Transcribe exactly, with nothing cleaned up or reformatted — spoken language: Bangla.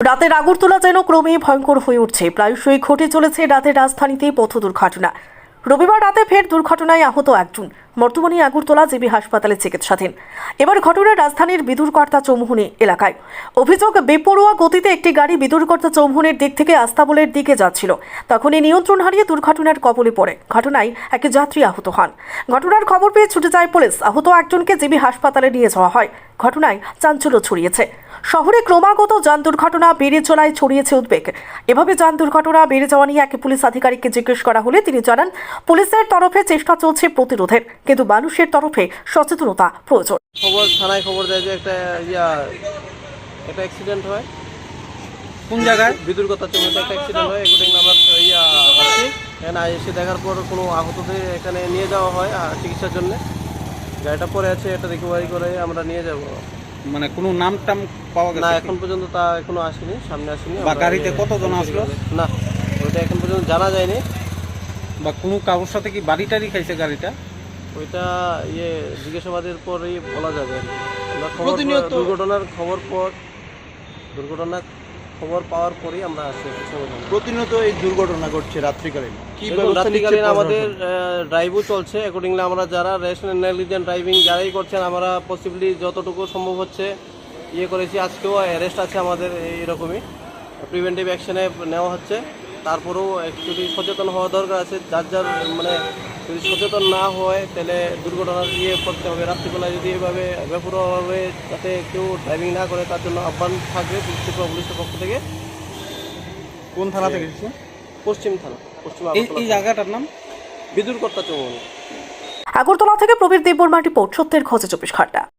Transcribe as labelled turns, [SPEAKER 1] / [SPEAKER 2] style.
[SPEAKER 1] রাতের আগরতলা যেন ক্রমেই ভয়ঙ্কর হয়ে উঠছে। প্রায়শই ঘটে চলেছে রাতের রাজধানীতে পথ দুর্ঘটনা। রবিবার রাতে ফের দুর্ঘটনায় আহত একজন, বর্তমানে আগরতলা জিবি হাসপাতালে চিকিৎসাধীন। এবার ঘটনা রাজধানীর বিদুরকর্তা চৌমুহনী এলাকায়। অভিযোগ, বেপরোয়া গতিতে একটি গাড়ি বিদুরকর্তা চৌমুহনীর দিক থেকে আস্তাবলের দিকে যাচ্ছিল। তখনই নিয়ন্ত্রণ হারিয়ে দুর্ঘটনার কবলে পড়ে। ঘটনায় এক যাত্রী আহত হন। ঘটনার খবর পেয়ে ছুটে যায় পুলিশ। আহত একজনকে জিবি হাসপাতালে নিয়ে যাওয়া হয়। ঘটনায় চাঞ্চল্য ছড়িয়েছে। শহরে ক্রমাগত যান দুর্ঘটনা বেড়ে চলায় ছড়িয়েছে উদ্বেগ। এভাবে যান দুর্ঘটনা বেড়ে যাওয়া নিয়ে এক পুলিশ আধিকারিককে জিজ্ঞেস করা হলে তিনি জানান, পুলিশের তরফে চেষ্টা চলছে প্রতিরোধের, কিন্তু মানুষের তরফে সচেতনতা প্রয়োজন।
[SPEAKER 2] খবর থানায় খবর দেয় যে একটা ইয়া একটা অ্যাক্সিডেন্ট হয়।
[SPEAKER 3] কোন জায়গায়?
[SPEAKER 2] বিদুরকর্তা চৌমুহনীতে একটা অ্যাক্সিডেন্ট হয়। এগুলো আমরা ইয়া আসছি, এখানে এসে দেখার পর কোনো আহতদের এখানে নিয়ে যাওয়া হয় চিকিৎসার জন্য। গাড়িটা পরে আছে, এটা রিকভারি করে আমরা নিয়ে যাব।
[SPEAKER 3] মানে কোনো নাম টাম পাওয়া গেছে
[SPEAKER 2] না,
[SPEAKER 3] কি?
[SPEAKER 2] এখন পর্যন্ত তা এখনো আসেনি, সামনে আসেনি।
[SPEAKER 3] বা
[SPEAKER 2] আমরা
[SPEAKER 3] গাড়িতে
[SPEAKER 2] ইয়ে-
[SPEAKER 3] কতজন আসলো?
[SPEAKER 2] না, ওইটা এখন পর্যন্ত জানা যায়নি।
[SPEAKER 3] বা কোনো কারোর সাথে কি বাড়ি টাড়ি খাইছে গাড়িটা?
[SPEAKER 2] ওইটা ইয়ে জিজ্ঞাসাবাদের পরেই বলা যাবে আর কি। আমরা খবর
[SPEAKER 3] প্রতিনিয়ত-
[SPEAKER 2] দুর্ঘটনার খবর পর দুর্ঘটনার খবর পাওয়ার পরেই আমরা আসছি।
[SPEAKER 4] প্রতিনিয়ত এই দুর্ঘটনা ঘটছে রাত্রিকালীন। কি
[SPEAKER 2] দেখুন,
[SPEAKER 4] ব্যবস্থা নিচ্ছে
[SPEAKER 2] রাত্রিকালীন
[SPEAKER 4] প্রশাসন?
[SPEAKER 2] আমাদের ড্রাইভও চলছে। অ্যাকর্ডিংলি আমরা যারা রেস্ট নেগলিজেন্ট ড্রাইভিং যারাই করছেন, আমরা পসিবলি যতটুকু সম্ভব হচ্ছে ইয়ে করেছি। আজকেও অ্যারেস্ট আছে আমাদের, এইরকমই প্রিভেন্টিভ অ্যাকশনে নেওয়া হচ্ছে। তারপরেও অ্যাকচুয়ালি সচেতন হওয়া দরকার আছে। যার যার মানে যদি সচেতন না হয় তাহলে দুর্ঘটনার ইয়ে করতে হবে। রাত্রিবেলায় যদি এভাবে বেপরোয়াভাবে যাতে কেউ ড্রাইভিং না করে, তার জন্য আহ্বান থাকবে ত্রিপুরা পুলিশের পক্ষ থেকে।
[SPEAKER 3] কোন থানা থেকে এসেছে?
[SPEAKER 2] পশ্চিম থানা, পশ্চিম
[SPEAKER 3] এই
[SPEAKER 2] আগরতলা
[SPEAKER 3] এই
[SPEAKER 2] থানা।
[SPEAKER 3] জায়গাটার নাম
[SPEAKER 2] বিদুরকর্তা চৌমুহনী।
[SPEAKER 1] আগরতলা থেকে প্রবীর দেববর্মা রিপোর্ট, সত্যের খোঁজে চব্বিশ ঘন্টা।